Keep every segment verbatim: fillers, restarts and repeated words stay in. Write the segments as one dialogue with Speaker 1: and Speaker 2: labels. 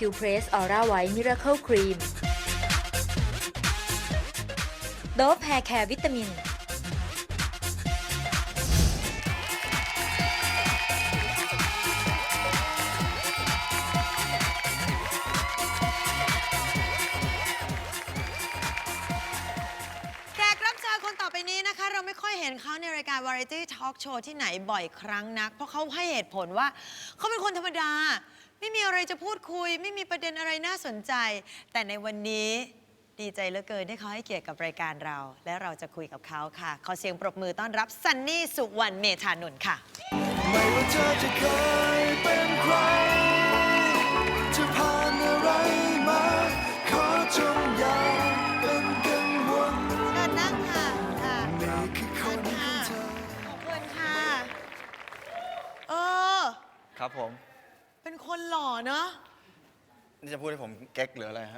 Speaker 1: คิวเพรสออร่าไวท์มิราเคิลครีมโดฟแฮร์แคร์วิตามิน
Speaker 2: คนต่อไปนี้นะคะเราไม่ค่อยเห็นเขาในรายการ Variety Talk Show ที่ไหนบ่อยครั้งนักเพราะเขาให้เหตุผลว่าเขาเป็นคนธรรมดาไม่มีอะไรจะพูดคุยไม่มีประเด็นอะไรน่าสนใจแต่ในวันนี้ดีใจเหลือเกินที่เขาให้เกียรติกับรายการเราและเราจะคุยกับเขาค่ะขอเสียงปรบมือต้อนรับซันนี่สุวรรณเมธานนท์ค่ะ
Speaker 3: ไม่ว่าเธอจะเคยเป็นใครจะผ่านอะไรมาขอจงอย่าเป็นกังวล
Speaker 2: เชิญนั่งค่ะค่ะ
Speaker 3: นี่คือคนของเธอ
Speaker 2: ขอบคุณค่ะเออ
Speaker 4: ครับผม
Speaker 2: เป็นคนหล่อเนอะ
Speaker 4: นี่จะพูดให้ผมเก๊กหรืออะไรฮะ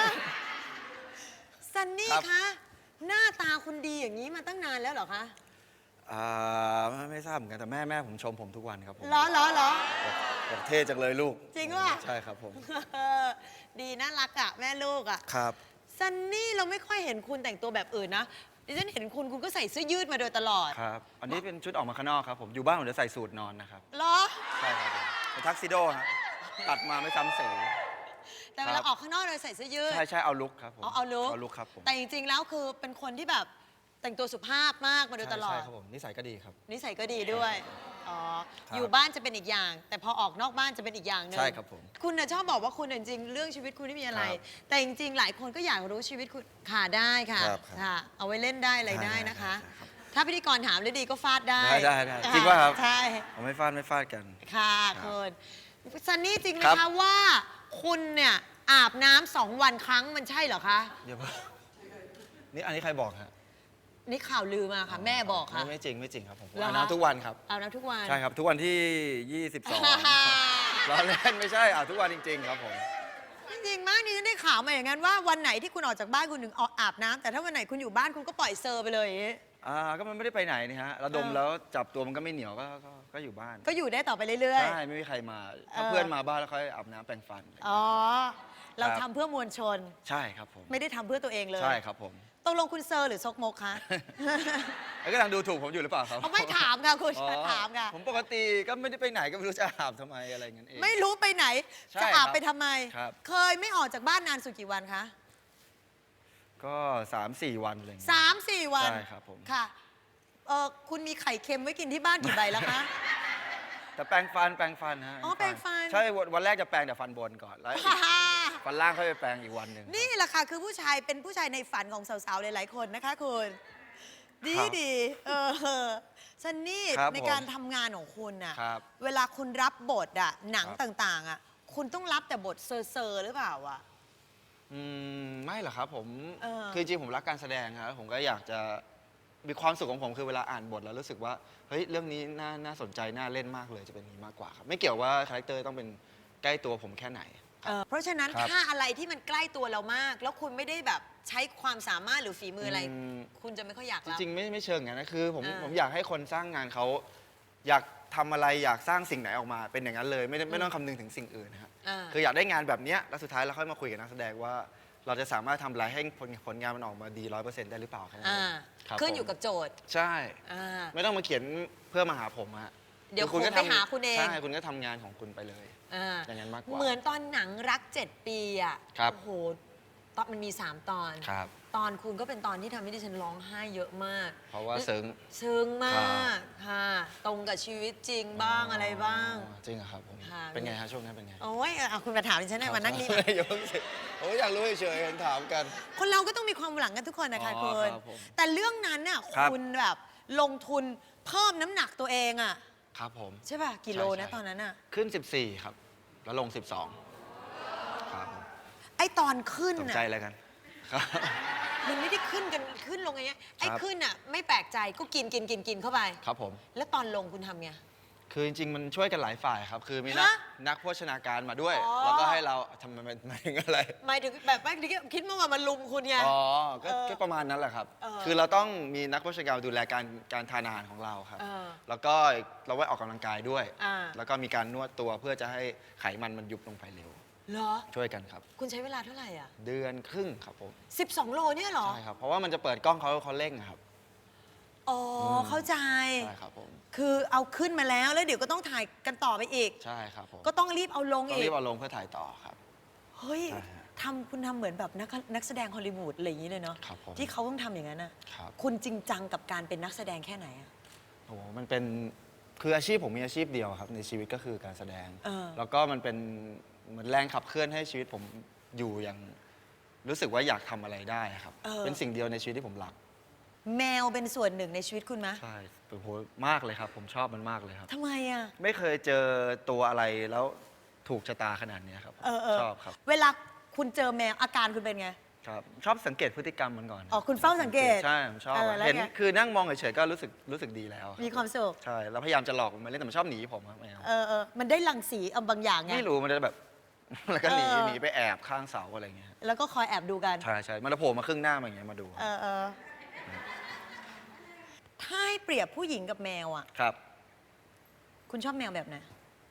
Speaker 2: ซันนี่
Speaker 4: ครับ
Speaker 2: คะหน้าตาคุณดีอย่างนี้มาตั้งนานแล้วเหรอคะ
Speaker 4: อ่าไม่ไม่ทราบเหมือนกันแต่แม่แม่ผมชมผมทุกวันครับผม
Speaker 2: เหรอเหรอเหรอ
Speaker 4: บอกบอกเท่จังเลยลูก
Speaker 2: จริงป่ะ
Speaker 4: ใช่ครับผม
Speaker 2: ดีน่ารักอ่ะแม่ลูกอ่ะ
Speaker 4: ครับ
Speaker 2: ซันนี่เราไม่ค่อยเห็นคุณแต่งตัวแบบอื่นนะดิฉันเห็นคุณคุณก็ใส่เสื้อยืดมาโดยตลอด
Speaker 4: ครับ อันนี้เป็นชุดออกมาข้างนอกครับผมอยู่บ้านผมจะใส่สูทนอนนะครับ
Speaker 2: เหรอ
Speaker 4: ใช่ครับผมเป็นทักซิโดฮะตัดมาไม่ซ้ำสี
Speaker 2: แต่เวลาออกข้างนอกเราใส่เสื้อยืด
Speaker 4: ใช่ใช่เอาลุกครับผม
Speaker 2: เอาเอาลุก
Speaker 4: เอาลุกครับผม
Speaker 2: แต่จริงๆแล้วคือเป็นคนที่แบบแต่งตัวสุภาพมากมาโดยตลอ
Speaker 4: ใช่
Speaker 2: ด
Speaker 4: ใช่ครับผมนิสัยก็ดีครับ
Speaker 2: นิสัยก็ดีด้วย อ๋อ
Speaker 4: ครับ
Speaker 2: อยู่บ้านจะเป็นอีกอย่าง แต่พอออกนอกบ้านจะเป็นอีกอย่างหนึง
Speaker 4: ใช่ครับผม
Speaker 2: คุณน่ะชอบบอกว่าคุณน่ะจริงๆเรื่องชีวิตคุณไม่มีอะไร
Speaker 4: ครับ
Speaker 2: แต่จริงๆหลายคนก็อยากรู้ชีวิตคุณค่ะได้ค่ะ
Speaker 4: ครับครับ
Speaker 2: ค่ะ เอาไว้เล่นได้อะไร
Speaker 4: ได้
Speaker 2: ได้
Speaker 4: ได้
Speaker 2: นะคะ
Speaker 4: ได้ครับ
Speaker 2: ถ้าพิธีกรถามได้ดีก็ฟาดได้
Speaker 4: ได้ได้ได้
Speaker 2: ค่ะ
Speaker 4: จริงป่ะครับ
Speaker 2: ใช่
Speaker 4: ผมไม่ฟาดไม่ฟาดกัน
Speaker 2: ค่ะ
Speaker 4: ครับ
Speaker 2: คุณซันนี่จริงไหม
Speaker 4: ครั
Speaker 2: คะ
Speaker 4: บ
Speaker 2: ว่าคุณเนี่ยอาบน้ำสองวันครั้งมันใช่เหรอคะ
Speaker 4: เดี๋ยวนี่อันนี้ใครบอกฮะ
Speaker 2: นี่ข่าวลือมาค่ะ แม่บอกค่ะ
Speaker 4: ไม่ไม่จริงไม่จริงครับผมผม
Speaker 2: เหรอ
Speaker 4: อาบ
Speaker 2: คะ
Speaker 4: น้ำทุกวันครับ
Speaker 2: อาบน้ำทุกวัน
Speaker 4: ใช่ครับ ทุกวันที่ ยี่สิบสอง ล้อเล่นไม่ใช่อาบทุกวันจริง ๆ ครับผม
Speaker 2: จริงๆมากนี่ฉันได้ข่าวมาอย่างนั้นว่าวันไหนที่คุณออกจากบ้านคุณถึงออกอาบน้ำแต่ถ้าวันไหนคุณอยู่บ้านคุณก็ปล่อยเซอร์ไปเลยอย่างงี้
Speaker 4: อ่าก็มันไม่ได้ไปไหนนี่ฮะระดม
Speaker 2: เออ
Speaker 4: แล้วจับตัวมันก็ไม่เหนียวก็ก็ก็อยู่บ้าน
Speaker 2: ก็อยู่ได้ต่อไปเรื่อย
Speaker 4: ใช่ไม่มีใครมาถ้า
Speaker 2: เออ
Speaker 4: เพื่อนมาบ้านแล้วเขาอาบน้ำแปรงฟัน
Speaker 2: ๆ อ๋อ เรา
Speaker 4: ครั
Speaker 2: ทำ
Speaker 4: บ
Speaker 2: เพื่อมวลชน
Speaker 4: ใช่ครับผม
Speaker 2: ไม่ได้ทำเพื่อตัวเองเลย
Speaker 4: ใช่ครับผม
Speaker 2: ตกลงคุณเซอร์หรือซกมกคะ
Speaker 4: แล้วก็กำลังดูถูกผมอยู่หรือเปล่าครับ
Speaker 2: เขาไม่ถามค่ะคุณ
Speaker 4: อ๋อ
Speaker 2: ถามค่ะ
Speaker 4: ผมปกติก็ไม่ได้ไปไหนก็ไม่รู้จะอาบทำไมอะไรเงี้ยเอง
Speaker 2: ไม่รู้ไปไหน
Speaker 4: ใช่
Speaker 2: จะอาบ
Speaker 4: ครับ
Speaker 2: ไปทำไม
Speaker 4: ครับ
Speaker 2: เคยไม่ออกจากบ้านนานสุดกี่วันคะ
Speaker 4: ก็สามสี่วันอะไรเงี้ย
Speaker 2: สามสี่วัน
Speaker 4: ใช่ครับผม
Speaker 2: ค่ะเออคุณมีไข่เค็มไว้กินที่บ้านกี่ใบแล้วคะ
Speaker 4: แต่แปรงฟันแปรงฟันฮะ
Speaker 2: อ๋อแปรงฟัน
Speaker 4: ใช่วันวันแรกจะแปรงแต่ฟันบนก่อนแล้วอีกฟันล่างค่อยไปแปรงอีกวันหนึ่ง
Speaker 2: นี่แหละค่ะคือผู้ชายเป็นผู้ชายในฝันของสาวๆหลายๆคนนะคะคุณดี
Speaker 4: ครับ
Speaker 2: ดีเออซันนี่
Speaker 4: ครับ
Speaker 2: ในการทำงานของคุณน่ะ
Speaker 4: ครับ
Speaker 2: เวลาคุณรับบทอะหนัง
Speaker 4: ครับ
Speaker 2: ต่างๆอะคุณต้องรับแต่บทเซอร์ๆหรือเปล่าอะ
Speaker 4: อืมไม่หรอกครับผม
Speaker 2: เออ
Speaker 4: คือจริงๆผมรักการแสดงครับผมก็อยากจะมีความสุขของผมคือเวลาอ่านบทแล้วรู้สึกว่าเฮ้ยเรื่องนี้น่าน่าสนใจน่าเล่นมากเลยจะเป็นอย่างนี้มากกว่าครับไม่เกี่ยวว่าคาแรคเตอร์ต้องเป็นใกล้ตัวผมแค่ไหน
Speaker 2: เออเพราะฉะนั้น
Speaker 4: ครับ
Speaker 2: ถ้าอะไรที่มันใกล้ตัวเรามาก แล้วคุณไม่ได้แบบใช้ความสามารถหรือฝีมืออะไร
Speaker 4: อืม
Speaker 2: คุณจะไม่ค่อยอยาก
Speaker 4: จ
Speaker 2: รับ
Speaker 4: ริงๆไม่ไม่เชิงอย่างนั้นนะคือผม
Speaker 2: อ่า
Speaker 4: ผมอยากให้คนสร้างงานเขาอยากทำอะไรอยากสร้างสิ่งไหนออกมาเป็นอย่างนั้นเลยไม่ได้ไม่ต้องคำนึงถึงสิ่งอื่นนะครับ
Speaker 2: อ่า
Speaker 4: คืออยากได้งานแบบเนี้ยแล้วสุดท้ายเราค่อยมาคุยกับนักแสดงว่า เราจะสามารถทำอะไรให้ผลผลงานมันออกมาดีร้อยเปอร์เซ็นต์ได้หรือเปล่าแค่นั้น
Speaker 2: อ่า
Speaker 4: เองครับ
Speaker 2: ขึ้น
Speaker 4: ผม
Speaker 2: อยู่กับโจทย์
Speaker 4: ใช่
Speaker 2: อ่า
Speaker 4: ไม่ต้องมาเขียนเพื่อมาหาผมฮะ
Speaker 2: เดี๋ยว
Speaker 4: อคุณก็
Speaker 2: ผมไปหาคุณเอง
Speaker 4: ใช่คุณก็ทำงานของคุณไปเลย
Speaker 2: อ่า
Speaker 4: อย่างนั้นมากกว่า
Speaker 2: เหมือนตอนหนังรักเจ็ดปีอ่ะ
Speaker 4: ครับ
Speaker 2: โอ้โหตอนมันมีสามตอน
Speaker 4: ครับ
Speaker 2: ตอนคุณก็เป็นตอนที่ทำให้ดิฉันร้องไห้เยอะมาก
Speaker 4: เพราะว่าซึ้ง
Speaker 2: ซึ้งมากค่ะ ตรงกับชีวิตจริงบ้างอะไรบ้าง
Speaker 4: อ๋อจริงเหรอครับผม
Speaker 2: ค่ะ
Speaker 4: เป็นไงฮะช่วงนั้นเป็นไง
Speaker 2: โอ้ยเอาคุณมาถามดิฉันหน่อยมานั่งนี่มา
Speaker 4: อย่าเพิ่งสิโอ้ยอยากรู้เฉยๆเห็นถามกัน
Speaker 2: คนเราก็ต้องมีความหลังกันทุกคนนะคะ
Speaker 4: อ๋อ
Speaker 2: คุณ
Speaker 4: ครับผม
Speaker 2: แต่เรื่องนั้นน่ะ
Speaker 4: ครับ
Speaker 2: คุณแบบลงทุนเพิ่มน้ำหนักตัวเองอ่ะ
Speaker 4: ครับผม
Speaker 2: ใช่ป่ะกิโล
Speaker 4: ใช่
Speaker 2: นะ
Speaker 4: ใช่
Speaker 2: ตอนนั้นอ่ะ
Speaker 4: ขึ้น สิบสี่ ครับ แล้วลง สิบสอง ครับผม
Speaker 2: ไอตอนขึ้น
Speaker 4: สน
Speaker 2: น่ะ
Speaker 4: ใจอะไรกันครับ
Speaker 2: มันไม่ได้ขึ้นกันขึ้นลงอย่างเงี้ยไอ้
Speaker 4: ครับ
Speaker 2: ขึ้นอ่ะไม่แปลกใจก็กินกินกินกินเข้าไป
Speaker 4: ครับผม
Speaker 2: แล้วตอนลงคุณทำไง
Speaker 4: คือจริงๆ มันช่วยกันหลายฝ่ายครับ คือมีนัก
Speaker 2: ฮะ
Speaker 4: นักโภชนาการมาด้วย
Speaker 2: อ๋อ
Speaker 4: แล้วก็ให้เราทำไมมันหมายถึงอะไร
Speaker 2: หมายถึงแบบว่าคิดว่ามันลุมคุณไง
Speaker 4: อ๋อ ก็
Speaker 2: เออ
Speaker 4: ก็ประมาณนั้นแหละครับ
Speaker 2: เออ
Speaker 4: คือเราต้องมีนักโภชนาการดูแลการการทานอาหารของเราครับ
Speaker 2: เออ
Speaker 4: แล้วก็เราไว้ออกกำลังกายด้วย
Speaker 2: อ่า
Speaker 4: แล้วก็มีการนวดตัวเพื่อจะให้ไขมันมันยุบลงไปเร็ว
Speaker 2: เหรอ
Speaker 4: ช่วยกันครับ
Speaker 2: คุณใช้เวลาเท่าไหร่อ่ะ
Speaker 4: เดือนครึ่งครับผม
Speaker 2: สิบสองโลเนี่ยเหรอ
Speaker 4: ใช่ครับเพราะว่ามันจะเปิดกล้องเขาเขาเร่งอะครับ
Speaker 2: อ๋ออ
Speaker 4: ม
Speaker 2: เข้าใจ
Speaker 4: ใช่ครับผม
Speaker 2: คือเอาขึ้นมาแล้วแล้วเดี๋ยวก็ต้องถ่ายกันต่อไปอีก
Speaker 4: ใช่ครับผม
Speaker 2: ก็ต้องรีบเอาลง
Speaker 4: ต้อง
Speaker 2: อี
Speaker 4: รี
Speaker 2: ก
Speaker 4: บเอาลงเพื่อถ่ายต่อครับ
Speaker 2: เฮ้ย
Speaker 4: ใช่ฮะ
Speaker 2: ทำคุณทำเหมือนแบบนักนักแสดงฮอลลีวูดอะไรอย่างนี้เลยเนาะ
Speaker 4: ครับผม
Speaker 2: ที่เขาต้องทำอย่างนั้นน่ะ
Speaker 4: ครับ
Speaker 2: คุณจริงจังกับการเป็นนักแสดงแค่ไหนอะ
Speaker 4: โอ้โหมันเป็นคืออาชีพผมมีอาชีพเดียวครับในชีวิตก็คือการแสดง
Speaker 2: เออ
Speaker 4: แล้วก็มันเป็นเหมือนแรงขับเคลื่อนให้ชีวิตผมอยู่อย่างรู้สึกว่าอยากทำอะไรได้ครับ เป็นสิ่งเดียวในชีวิตที่ผมรัก
Speaker 2: แมวเป็นส่วนหนึ่งในชีวิตคุณไหม
Speaker 4: ใช่โอ้โหมากเลยครับ ผมชอบมันมากเลยครับ
Speaker 2: ทำไมอะ
Speaker 4: ไม่เคยเจอตัวอะไรแล้วถูกชะตาขนาดนี้ครับ
Speaker 2: เออเออ
Speaker 4: ชอบครับ
Speaker 2: เวลาคุณเจอแมวอาการคุณเป็นไง
Speaker 4: ครับ ชอบสังเกตพฤติกรรมมันก่อน
Speaker 2: อ๋อคุณเฝ้าสังเกต
Speaker 4: ใช่ผมชอบ
Speaker 2: เออ
Speaker 4: อะ
Speaker 2: แล้ว
Speaker 4: เห็น
Speaker 2: ไง
Speaker 4: คือนั่งมองเฉยๆก็รู้สึกรู้สึกดีแล้วรับ
Speaker 2: มีความสุข
Speaker 4: ใช่แล้วพยายามจะหลอกมันมาเล่นแต่มันชอบหนีผมครับแมว
Speaker 2: เออเออมันได้รังสีเอาบางอย่างไง
Speaker 4: ไม่รู้มันจะแบบ แล้วก็หนี
Speaker 2: เออ
Speaker 4: หนีไปแอบข้างเสาอะไรอย่างเงี้ย
Speaker 2: แล้วก็คอยแอบดูกัน
Speaker 4: ใช่ใช่มันจะโผล่มาครึ่งหน้ามาอย่างเงี้ยมาดู
Speaker 2: เออเออถ้าให้เปรียบผู้หญิงกับแมวอ่ะ
Speaker 4: ครับ
Speaker 2: คุณชอบแมวแบบไหน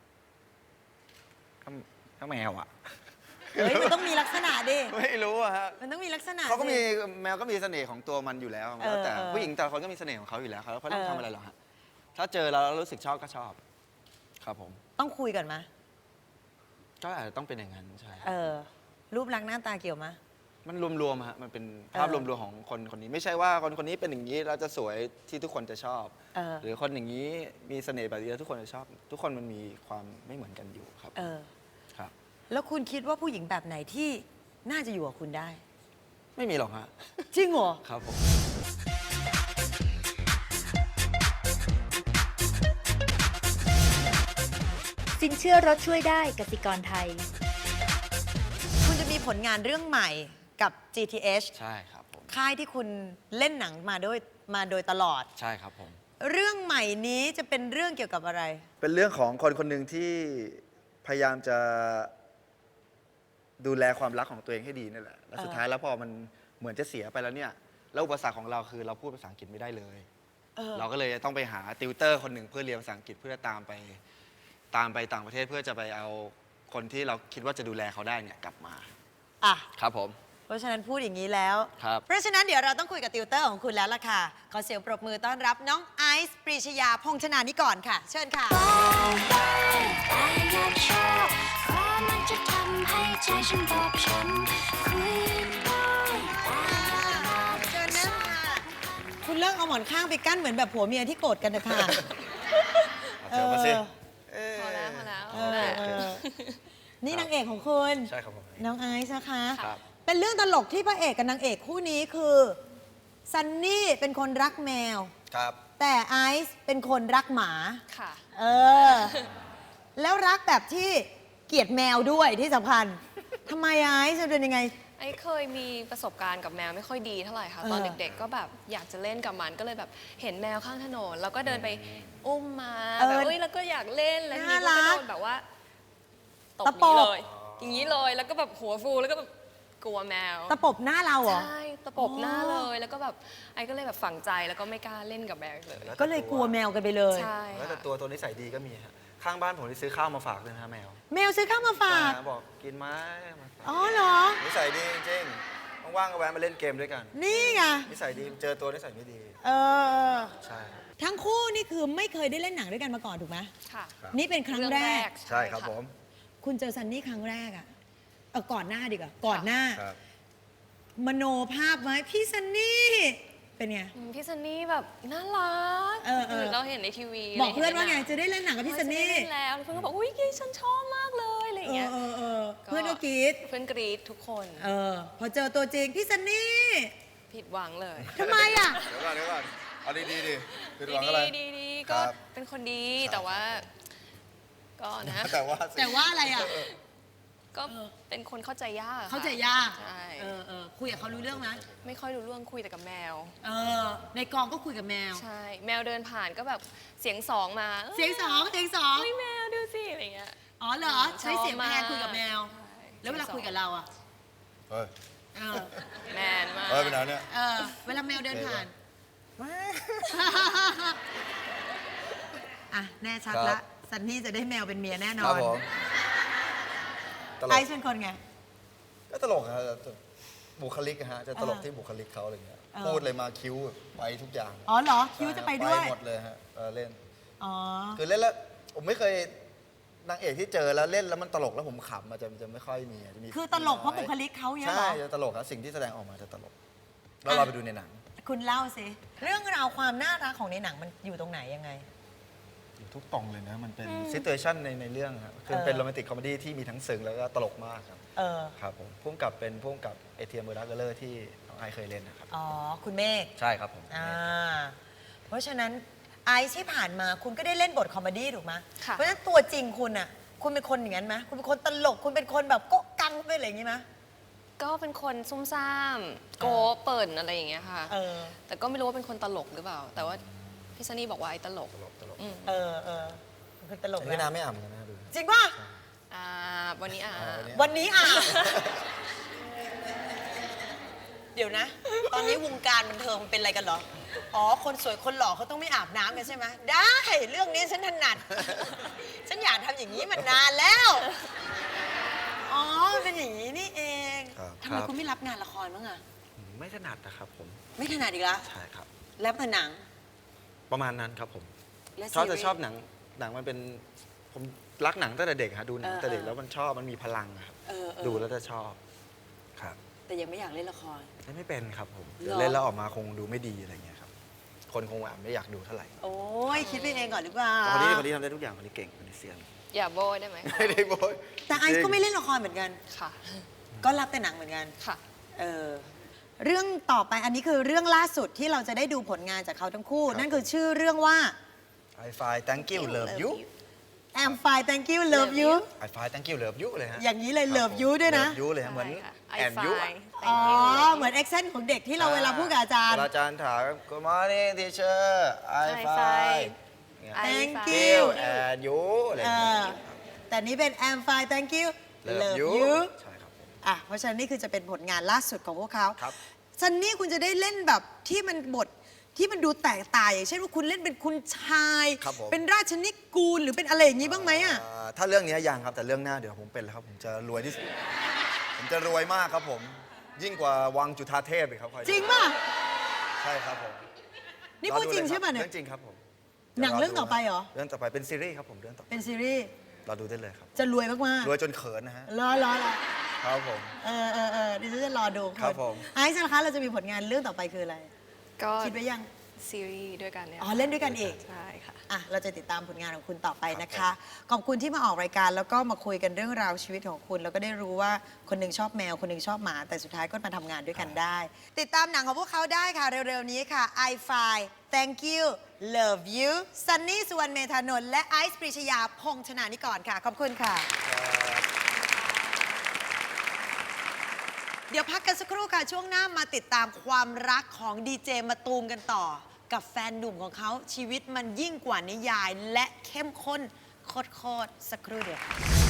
Speaker 4: ก็ก็แมวอ่ะ
Speaker 2: เฮ้ย มันต้องมีลักษณะดิ
Speaker 4: ไม่รู้อะฮะ
Speaker 2: มันต้องมีลักษณะ
Speaker 4: เขาก็มี
Speaker 2: สิ
Speaker 4: แมวก็มีเสน่ห์ของตัวมันอยู่แล้ว
Speaker 2: เออ
Speaker 4: แล้วแต่
Speaker 2: เออ
Speaker 4: ผู้หญิงแต่ละคนก็มีเสน่ห์ของเขาอยู่แล้วครับแล้วเขาต้อง
Speaker 2: เออ
Speaker 4: ทำอะไรหรอกฮะถ้าเจอแล้วรู้สึกชอบก็ชอบ ครับผม
Speaker 2: ต้องคุยกันไหม
Speaker 4: ก็อาจจะต้องเป็นอย่างนั้นใช่
Speaker 2: เออ รูปลักษณ์หน้าตาเกี่ยวไหม
Speaker 4: มันรวมๆฮะมันเป็นภาพ
Speaker 2: เอ
Speaker 4: ร
Speaker 2: อ
Speaker 4: วมๆของคนคนนี้ไม่ใช่ว่าคนคนนี้เป็นอย่างนี้แล้วจะสวยที่ทุกคนจะชอบ
Speaker 2: เออ
Speaker 4: หรือคนอย่างนี้มีเสน่ห์แบบนี้แล้วทุกคนจะชอบ ทุกคนมันมีความไม่เหมือนกันอยู่ครับ
Speaker 2: เออ
Speaker 4: ครับ
Speaker 2: แล้วคุณคิดว่าผู้หญิงแบบไหนที่น่าจะอยู่กับคุณได้
Speaker 4: ไม่มีหรอกฮะ
Speaker 2: จริงเหรอ
Speaker 4: ครับผม
Speaker 1: สินเชื่อรถช่วยได้กสิกรไทย
Speaker 2: คุณจะมีผลงานเรื่องใหม่กับ จี ที เอช
Speaker 4: ใช่ครับผม
Speaker 2: ค่ายที่คุณเล่นหนังมาโดยมาโดยตลอด
Speaker 4: ใช่ครับผม
Speaker 2: เรื่องใหม่นี้จะเป็นเรื่องเกี่ยวกับอะไร
Speaker 4: เป็นเรื่องของคนคนหนึ่งที่พยายามจะดูแลความรักของตัวเองให้ดีนี่แหละ แล้วสุด
Speaker 2: เออ
Speaker 4: ท้ายแล้วพอมันเหมือนจะเสียไปแล้วเนี่ย แล้วอุปสรรคของเราคือเราพูดภาษาอังกฤษไม่ได้เลย
Speaker 2: เออ
Speaker 4: เราก็เลยต้องไปหาติวเตอร์คนหนึ่งเพื่อเรียนภาษาอังกฤษเพื่อตามไปตามไปต่างประเทศเพื่อจะไปเอาคนที่เราคิดว่าจะดูแลเขาได้เนี่ยกลับมา
Speaker 2: อ่ะ
Speaker 4: ครับผม
Speaker 2: เพราะฉะนั้นพูดอย่างนี้แล้ว
Speaker 4: ครับ
Speaker 2: เพราะฉะนั้นเดี๋ยวเราต้องคุยกับติวเตอร์ของคุณแล้วล่ะค่ะ ขอเสียงปรบมือต้อนรับน้องไอซ์ปรีชยาพงษ์ชนานิกรค่ะ เชิญค่ะ
Speaker 5: แต่อยากชอบเพราะมันจะทำให้ใจฉันบอบช้ำคุยได้แต่
Speaker 2: เชิญนั่งค่ะ คุณเลิกเอาหมอนข้างไปกั้นเหมือนแบบผัวเมียที่โกรธกันนะคะ
Speaker 4: เจอมาสิ
Speaker 6: พอแล้วพอแล้ว
Speaker 2: เออเออนี่นางเอกของคุณ
Speaker 4: ใช่ครับผม
Speaker 2: น้องไอซ์นะคะ
Speaker 4: ครับ
Speaker 2: เป็นเรื่องตลกที่พระเอกกับนางเอกคู่นี้คือซันนี่เป็นคนรักแมว
Speaker 4: ครับ
Speaker 2: แต่ไอซ์เป็นคนรักหมา
Speaker 6: ค่ะ
Speaker 2: เออ แล้วรักแบบที่เกลียดแมวด้วยที่สำคัญทำไมไอซ์จะเป็นยังไง
Speaker 6: ไอ้เคยมีประสบการณ์กับแมวไม่ค่อยดีเท่าไหร่ค่ะ
Speaker 2: เออ
Speaker 6: ตอนเด็กๆ ก็แบบอยากจะเล่นกับมันก็เลยแบบเห็นแมวข้างถนนแล้วก็เดินไปอุ้มมาแบบเอ้ยแล้วก็อยากเล่นแล้วทีนี้ก็โดนแบบว่าตบ
Speaker 2: ตะป
Speaker 6: นี้
Speaker 2: บ
Speaker 6: เลย อย่างนี้เลยแล้วก็แบบหัวฟูแล้วก็แบบกลัวแมว
Speaker 2: ตะปบหน้าเราเหรอ
Speaker 6: ใช่ตะปบหน้าเลยแล้วก็แบบไอ้ก็เลยแบบฝังใจแล้วก็ไม่กล้าเล่นกับแมวอีกเลย
Speaker 2: ก็เลยกลัวแมวกันไปเลย
Speaker 6: ใช่
Speaker 4: แล้วแต่
Speaker 6: ค่ะ
Speaker 4: ตัวตัวนิสัยดีก็มีฮะข้างบ้านผมที่ซื้อข้าวมาฝากด้วยนะฮะแมว
Speaker 2: แมวซื้อข้าวมาฝาก
Speaker 4: ใช่บอกกินไหมมาฝาก
Speaker 2: อ๋อเหรอ
Speaker 4: นิสัยดีจริงๆว่างๆก็แวะมาเล่นเกมด้วยกัน
Speaker 2: นี่ไง
Speaker 4: นิสัยดีเจอตัวนิสัยไม่ดี
Speaker 2: เออ
Speaker 4: ใช่ครับ
Speaker 2: ทั้งคู่นี่คือไม่เคยได้เล่นหนังด้วยกันมาก่อนถูกไหม
Speaker 6: ค่ะ
Speaker 2: นี่เป็นครั้งแรก
Speaker 4: ใช่ครับผม
Speaker 2: คุณเจอซันนี่ครั้งแรกอะเออก่อนหน้าดีกว่า ก่อนหน้า
Speaker 4: ครับ
Speaker 2: มโนภาพไว้พี่ซันนี่ เป็นไง
Speaker 6: อืมพี่ซันนี่แบบน่ารัก
Speaker 2: เออเออ
Speaker 6: เราเห็นในทีวี
Speaker 2: บอกเพื่อนว่าไง
Speaker 6: ห็ให
Speaker 2: จะได้เล่นหนังกับพี่ซันนี่
Speaker 6: จะได้เล่แล้วแล้วเพื่อนก็บอกอุ้ยเกฉันชอบมากเลยอะไรอย่าง
Speaker 2: เอ
Speaker 6: เงี้
Speaker 2: อย เออเออเพื่อนก็กรีด
Speaker 6: เพื่อนกรี๊ดทุกคน
Speaker 2: เออ พอเจอตัวจริงพี่ซันนี่
Speaker 6: ผิดหวังเลย
Speaker 2: ทำไมอะ
Speaker 4: เดี๋ยวก่อนเดี๋ยวก่อนเอาดีๆดิคือห
Speaker 6: ดี
Speaker 4: วังอะไร
Speaker 6: ดีดี
Speaker 4: ครั
Speaker 6: ก็
Speaker 4: บ
Speaker 6: เป็นคนดีแต่ว่า ก็นะ
Speaker 4: แต่ว่าสิ
Speaker 2: แต่ว่าอะไรอะ
Speaker 6: ก็เป็นคนเข้าใจยากอะค่ะ
Speaker 2: เข้าใจยาก
Speaker 6: ใช่
Speaker 2: เออเออคุยกับเขารู้เรื่องไหม
Speaker 6: ไม่ค่อยรู้เรื่องคุยแต่กับแมว
Speaker 2: เออ ในกองก็คุยกับแมว
Speaker 6: ใช่ แมวเดินผ่านก็แบบเสียงสองมา
Speaker 2: เสียงสองเสียงสอง
Speaker 6: เฮ้ยแมวดูสิอะไรเงี้ย
Speaker 2: อ๋อเหรอ ใช้เสียงแพนคุยกับแมว
Speaker 6: ใช่
Speaker 2: แล้วเวลาคุยกับเราอะ
Speaker 4: เฮ้ย
Speaker 2: เออ
Speaker 6: แมนมาก
Speaker 4: เฮ้ยเป็นไงเนี่ย
Speaker 2: เออ เวลาแมวเดินผ่าน อ่ะ แน่ชัด
Speaker 4: ครั
Speaker 2: ละ
Speaker 4: บ
Speaker 2: ซันนี่จะได้แมวเป็นเมียแน่น
Speaker 4: ครั
Speaker 2: อบ น
Speaker 4: ผม
Speaker 7: ตล
Speaker 2: ไอก ซ์เป็นคนไง
Speaker 7: ก็ตลกฮะบุคลิกอะฮะจะตลก
Speaker 2: เออ
Speaker 7: ที่บุคลิกเขาอะไรเงี้ย
Speaker 2: เออ
Speaker 7: พูดเลยมาคิ้วไปทุกอย่าง
Speaker 2: อ๋อเหรอ คิวจะไปด้วย
Speaker 7: ไปหมดเลยฮะเออเล่น
Speaker 2: อ๋อ
Speaker 7: คือเล่นแล้วผมไม่เคยนางเอกที่เจอแล้วเล่นแล้วมันตลกแล้วผมขำมันจะจะไม่ค่อยมีจะมี
Speaker 2: คือตลกเพราะบุคลิกเขาเยอะเหร
Speaker 7: ใช่
Speaker 2: อ
Speaker 7: จะตลกครับสิ่งที่แสดงออกมาจะตลกแล้วเราไปดูในหนัง
Speaker 2: คุณเล่าสิ เรื่องราวความน่ารักของในหนังมันอยู่ตรงไหนยังไง
Speaker 7: อยู่ทุกตรงเลยนะมันเป็นซิทูเอชันในในเรื่องครับคือ
Speaker 2: เออ
Speaker 7: เป็นโรแมนติกคอมเมดี้ที่มีทั้งซึ้งแล้วก็ตลกมากครับ
Speaker 2: เออ
Speaker 7: ครับผมพุ่มกับเป็นพุ่มกับเอเทียมเบอร์ดักเกอร์ที่น้องไอซ์เคยเล่นนะครับ
Speaker 2: อ๋อ คุณเมฆ
Speaker 7: ใช่ครับผม
Speaker 2: อ่า เพราะฉะนั้นไอซ์ที่ผ่านมาคุณก็ได้เล่นบทคอมเมดี้ถูกไหม
Speaker 6: ค่ะ
Speaker 2: เพราะฉะนั้นตัวจริงคุณอ่ะ คุณเป็นคนอย่างนั้นไหมคุณเป็นคนตลก คุณเป็นคนแบบโก๊ะกังเป็นอะไรอย่างงี้ไหม
Speaker 6: ก็เป็นคนซุ่มซ่าม โกเปิ่นอะไรอย่างเงี้ยค่ะ
Speaker 2: เออ
Speaker 6: แต่ก็ไม่รู้ว่าเป็นคนตลกหรือเปล่า แต่ว่าพี่ซันนี่บอกว่าไอ้ตลก
Speaker 7: ตลกตลก
Speaker 6: อืม
Speaker 2: เออเออคือตลก
Speaker 7: แต่พี่
Speaker 2: นะ
Speaker 7: น้ำไม่อ่ำกันนะดู
Speaker 2: จริงป่ะ
Speaker 6: อ่าวันนี้อ่า
Speaker 7: อ๋อวันนี้
Speaker 2: วันนี้อ่ะ เดี๋ยวนะ ตอนนี้วงการบันเทิงมันเป็นอะไรกันเหรอ อ๋อ คนสวยคนหล่อเขาต้องไม่อาบน้ำกันใช่ไหม ได้ เรื่องนี้ฉันถนัด ฉันอยากทำอย่างนี้มานานแล้ว อ๋อมันเป็นอย่างนี้นี่เอง
Speaker 7: ครับ
Speaker 2: ทำไมคุณไม่รับงานละครบ้างอะ
Speaker 7: ไม่ถนัดนะครับผม
Speaker 2: ไม่ถนัดอีกแล้ว
Speaker 7: ใช่ครับ
Speaker 2: แล้วผนัง
Speaker 7: ประมาณนั้นครับผม
Speaker 2: และ
Speaker 7: ชอบ
Speaker 2: ซีรี
Speaker 7: จะ
Speaker 2: ส์
Speaker 7: ชอบหนังหนังมันเป็นผมรักหนังตั้งแต่เด็กฮะดูหนัง
Speaker 2: เออ
Speaker 7: ตั้งแต่เด็ก
Speaker 2: เออ
Speaker 7: แล้วมันชอบมันมีพลังอะครับ
Speaker 2: เออเออ
Speaker 7: ดูแล้วจะชอบครับ
Speaker 2: แต่ยังไม่อยากเล่นละคร
Speaker 7: เล่นไม่เป็นครับผม
Speaker 2: เหรอ
Speaker 7: เล่นแล้วออกมาคงดูไม่ดีอะไรเงี้ยครับคนคงอ่ะไม่อยากดูเท่าไหร่
Speaker 2: โอ้ยคิดไปเองก่อนหรือเปล่า
Speaker 7: แต่คนนี้คนนี้ทำได้ทุกอย่างคนนี้เก่งคนนี้เซียน
Speaker 6: อย่าโบยได้ไหม
Speaker 7: ไม่ได้โบย
Speaker 2: แต่ไอซ์ก็ไม่เล่นละครเหมือนกัน
Speaker 6: ค่ะ
Speaker 2: ก็รับแต่หนังเหมือนกัน
Speaker 6: ค่ะ
Speaker 2: เออ เรื่องต่อไปอันนี้คือเรื่องล่าสุดที่เราจะได้ดูผลงานจากเขาทั้งคู่ นั่นคือชื่อเรื่องว่า
Speaker 7: I find thank you love you
Speaker 2: I'm fine thank you love you
Speaker 7: I find thank you love you เลยฮะ
Speaker 2: อย่างนี้เลย love you ด้วยนะ
Speaker 7: love you เลยฮะเหมือน
Speaker 6: ใช่ค่ะ I
Speaker 7: แอนยู
Speaker 6: find
Speaker 2: อ๋อ
Speaker 6: thank you
Speaker 2: เหมือน accent ของเด็กที่เราเวลาพูดกับอาจารย์
Speaker 7: เวลาอาจารย์ถาม Good morning teacher I
Speaker 6: I
Speaker 7: find
Speaker 6: find I
Speaker 2: Thank
Speaker 6: find
Speaker 2: you
Speaker 7: and you อะไรอ
Speaker 2: เอย่าง
Speaker 7: เงี้
Speaker 2: อย แต่นี้เป็น I'm fine thank you
Speaker 7: love
Speaker 2: love
Speaker 7: you
Speaker 2: you
Speaker 7: ใช่ครับผม
Speaker 2: อ่ะเพราะฉะนั้นนี่คือจะเป็นผลงานล่าสุดของพวกเขา
Speaker 7: ครับ
Speaker 2: ซันนี่คุณจะได้เล่นแบบที่มันบทที่มันดูแตกต่างอย่างเช่นว่าคุณเล่นเป็นคุณชาย
Speaker 7: ครับผม
Speaker 2: เป็นราชนิกูลหรือเป็นอะไรอย่างนี้บ้างไหมอ่ะ
Speaker 7: อ่าถ้าเรื่องนี้ยังครับแต่เรื่องหน้าเดี๋ยวผมเป็นแล้วครับ ผมจะรวยที่สุดผมจะรวยมากครับผม ยิ่งกว่าวังจุฑาเทพอีกครับคอยดู
Speaker 2: จริงป่ะ
Speaker 7: ใช่ครับผม
Speaker 2: นี่พูดจริง
Speaker 7: อ
Speaker 2: ใช่ป่ะ
Speaker 7: ล
Speaker 2: เนี่ย
Speaker 7: เรื่องจริงครับผม
Speaker 2: หนังเรื่องต่อไปเหรอ
Speaker 7: เรื่องต่อไปเป็นซีรีส์ครับผมเรื่องต่อไป
Speaker 2: เป็นซีรีส์
Speaker 7: เราดูได้เลยครับ
Speaker 2: จะรวยมาก
Speaker 7: รวยจนเขินนะฮะ
Speaker 2: ๆรอรอรอ
Speaker 7: ครับผม
Speaker 2: เออเออเออดิฉันจะรอดู
Speaker 7: ครับผม
Speaker 2: ไอซ์นะคะเราจะมีผลงานเรื่องต่อไปคืออะไร
Speaker 6: ก็
Speaker 2: คิดไว้ยัง
Speaker 6: ซีรีส์ด้วยกันเนี่ย
Speaker 2: อ๋อเล่นด้วยกันอีก
Speaker 6: ใช่ค่ะ
Speaker 2: อ่ะเราจะติดตามผลงานของคุณต่อไปนะคะ ขอบคุณที่มาออกรายการแล้วก็มาคุยกันเรื่องราวชีวิตของคุณ แล้วก็ได้รู้ว่าคนหนึ่งชอบแมวคนหนึ่งชอบหมา แต่สุดท้ายก็มาทำงานด้วยกันได้ ติดตามหนังของพวกเขาได้ค่ะ เร็วๆนี้ค่ะ I Find Thank You Love You ซันนี่สุวรรณเมธานนท์และไอซ์ปรีชยาพงษ์ชนานิกรค่ะ ขอบคุณค่ะ เดี๋ยวพักกันสักครู่ค่ะ ช่วงหน้ามาติดตามความรักของดีเจมะตูมกันต่อ กับแฟนหนุ่มของเขาชีวิตมันยิ่งกว่านิยาย และเข้มข้นโคตรๆสักครู่เดียวค่ะ